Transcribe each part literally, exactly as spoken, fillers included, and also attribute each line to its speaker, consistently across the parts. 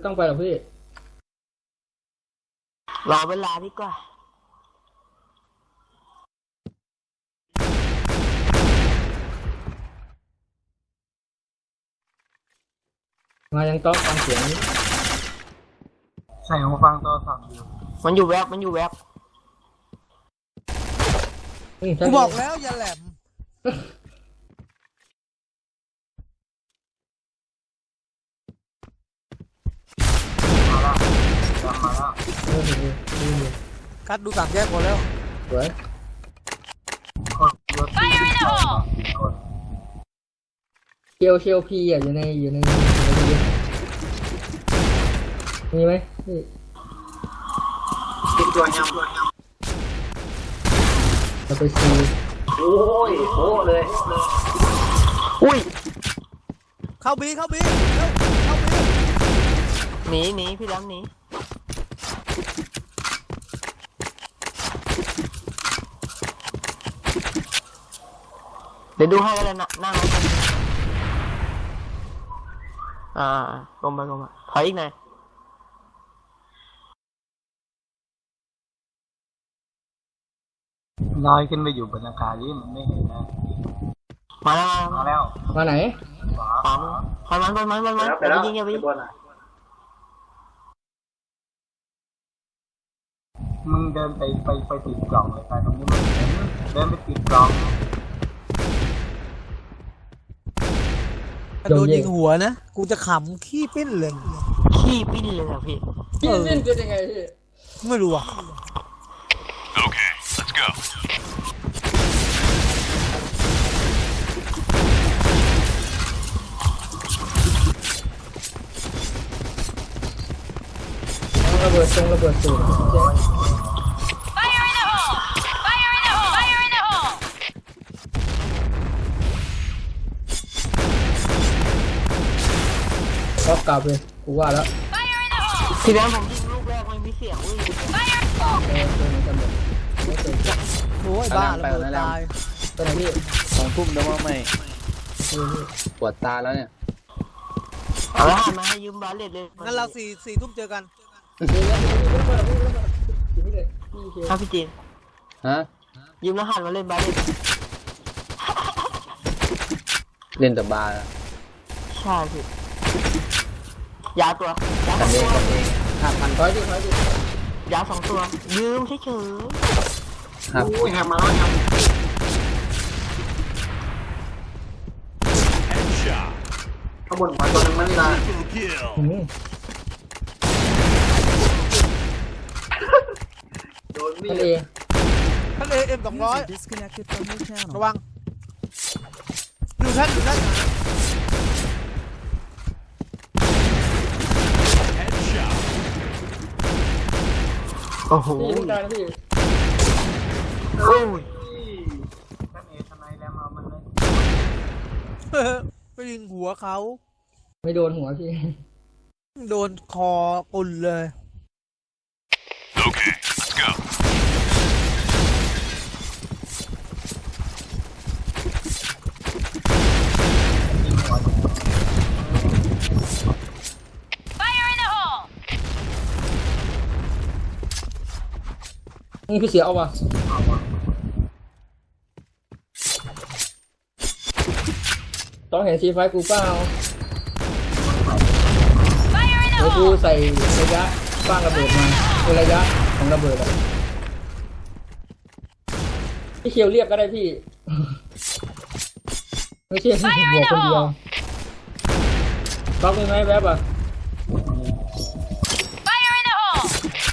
Speaker 1: ต้องไปหรอกพี่
Speaker 2: รอเวลาดีกว่า
Speaker 1: มายังต้องฟังเสียง
Speaker 3: ใส่หูฟังตัวสั่งอยู่
Speaker 2: มันอยู่แวบมันอยู่แวบ
Speaker 4: กูบอกแล้วอย่าแหลม
Speaker 3: มาแล้วจำมาแล้ว
Speaker 4: กัดดูต่างแยกหมดแล้ว
Speaker 1: สวยเชียวเชียวพีอ่ะอยู่ในอยู่ในมีไหมพี่
Speaker 3: ติดตัวยัง
Speaker 1: เราไปซี
Speaker 3: โอ้ยโอ้เลย
Speaker 2: อุ้ย
Speaker 4: เข้าบีเข้าบีเข้าบี
Speaker 2: หนีหนีพี่ล้ำหนีเดี๋ยวดูให้กันเลยนะนั่งอ่าลงไปลงมาถอยอีกหน่อย
Speaker 3: ลอยขึ้นไปอยู่บนอากาศนี่มันไม่เห็นนะ
Speaker 2: มาแล้ว
Speaker 3: มาแล้ว
Speaker 1: มาไหน
Speaker 2: ขวาขวามันมันมันมันมันอย่าไปยิงอย่าไปยิง
Speaker 3: มึงเดินไปไปไปติดกล่องเลยไปตรงนี้มันเดินไปติดกล่อง
Speaker 4: โดนยิงหัวนะกูจะขำขี้ปิ้นเลย
Speaker 2: ขี้ปิ้นเลยอะพี่
Speaker 1: พี่ปิ้นเป็นยังไงพี่
Speaker 4: ไม่รู้อ่ะ
Speaker 5: Okay, let's go.
Speaker 1: ระเบิดตรงระเบิดสูง
Speaker 6: Fire in the hole! Fire in the hole! Fire in the hole!
Speaker 1: ก็กลับเลยกูว่าแล้ว
Speaker 6: Fire in the hole!
Speaker 2: ทีนั้นผมยิงลูกแรกมันมีเสียงวิ่ง
Speaker 6: Fire!
Speaker 1: เออเจอเหมือนกันหมดไม่เคย
Speaker 4: โอ้ยบ้าระเบิดตาย
Speaker 1: ไปไหนพี่
Speaker 7: สองทุ่มแล้วว่าไม่
Speaker 1: นี่นี่
Speaker 7: ปวดตาแล้วเนี่ย
Speaker 2: เอาละมาให้ยืมบาเลตเลย
Speaker 4: งั้นเราสี่สี่ทุ่มเจอกัน
Speaker 2: ครับพี่จีน
Speaker 7: ฮะ
Speaker 2: ยืมรหัสมาเล่นบาเลต
Speaker 7: เล่นแต่บาร์
Speaker 2: ใช่พี่ยาตัวยาส
Speaker 7: กั
Speaker 2: อนง
Speaker 7: เอ
Speaker 2: ตัว
Speaker 7: งกันเองห้าพัน
Speaker 1: ถอยดิถอยดิ
Speaker 2: ยาสองตัวยืมเฉย
Speaker 7: ครับ
Speaker 3: อุ้ยแหกมาแล้วยัง
Speaker 5: Headshot.
Speaker 3: ข้างบนหัวตัวนึงมันนี่นะ
Speaker 5: Triple kill.
Speaker 1: อืม
Speaker 3: โดนมี
Speaker 1: ทะ
Speaker 3: ด
Speaker 1: เล
Speaker 4: ท่านเอเอ็มสองร้อยระวังอยู่ท่านอยู่ท่าน
Speaker 5: Headshot.
Speaker 2: ๆโอ้โห
Speaker 1: พี่ต้องการนะพี่
Speaker 2: โอ้ย
Speaker 3: ท่านเอทนายแล้วมามันเลย
Speaker 4: ไปยิงหัวเขา
Speaker 1: ไม่โดนหัวพี่
Speaker 4: โดนคอปุ่นเลย
Speaker 5: Okay, let's go.
Speaker 3: ยิงหัวอยู่
Speaker 6: Fire in the hole!
Speaker 1: นี่พี่เสียเอาวะต้องเห็นซีไฟกูเปล่า
Speaker 6: Fire in the
Speaker 1: เดี๋ยวกู
Speaker 6: hole!
Speaker 1: ใส่ระยะสร้างระเบิดมาเป็นระยะของระเบิดอะพี่เคียวเรียกก็ได้พี่ ไม่ใช่หัวคนเดียวก๊อกมีไหมแวบอ่ะ
Speaker 6: Fire in the hole!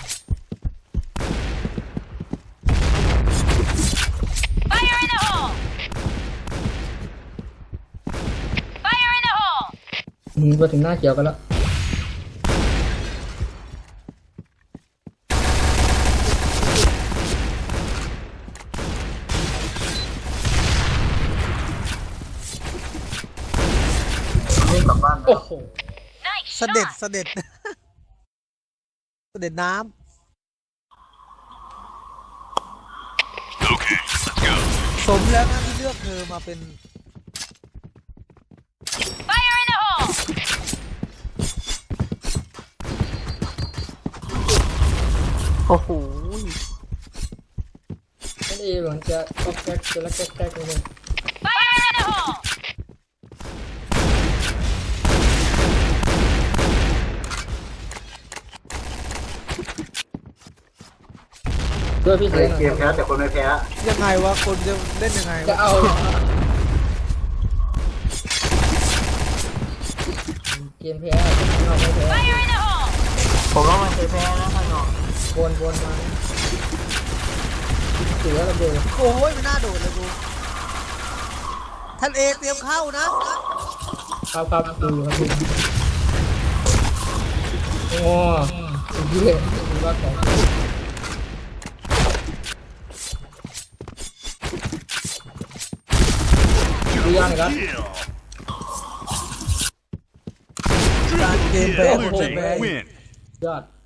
Speaker 6: Fire in the hole! Fire in the hole!
Speaker 1: อืมมาถึงหน้าเขียวกันแล้ว
Speaker 3: วิ่งกลับบ้าน
Speaker 1: โอ้โห
Speaker 6: Nice
Speaker 4: เสด็จ
Speaker 6: shot!
Speaker 4: เสด็จ เสด็จน้
Speaker 5: Okay, let's go.
Speaker 4: ำสมแล้วนะที่เลือกเธอมาเป็น
Speaker 6: Fire in the hole!
Speaker 2: โอ้โห
Speaker 1: นั่นเองเหมือนจะก็แก๊กจะละแก๊กแก๊กเลย
Speaker 6: Fire in the hole!
Speaker 1: ด้วยพี่เสือ
Speaker 3: เกมแพ้แต่คนไม่แพ้
Speaker 4: ยังไงวะคนจะเล่นยังไง
Speaker 1: จะ
Speaker 4: วะ
Speaker 1: เอาเกมแพ้เราไม่แพ้
Speaker 6: Fire in the hole!
Speaker 2: ผมว่ามันเคยแพ้นะข้างนอก
Speaker 1: วนวนมาเสือระเบิด
Speaker 4: โอ้ยมันน่าโดดเลยดูท่านเอเตรียมเข้านะครับ
Speaker 1: ครับดูครับดูโอ้สุดยอดสุดยอดของดูยังครับ
Speaker 5: Kill.
Speaker 4: การเกมแพ้
Speaker 5: Blue
Speaker 4: โคตร
Speaker 5: team
Speaker 4: แพ้
Speaker 5: win.
Speaker 1: ยอด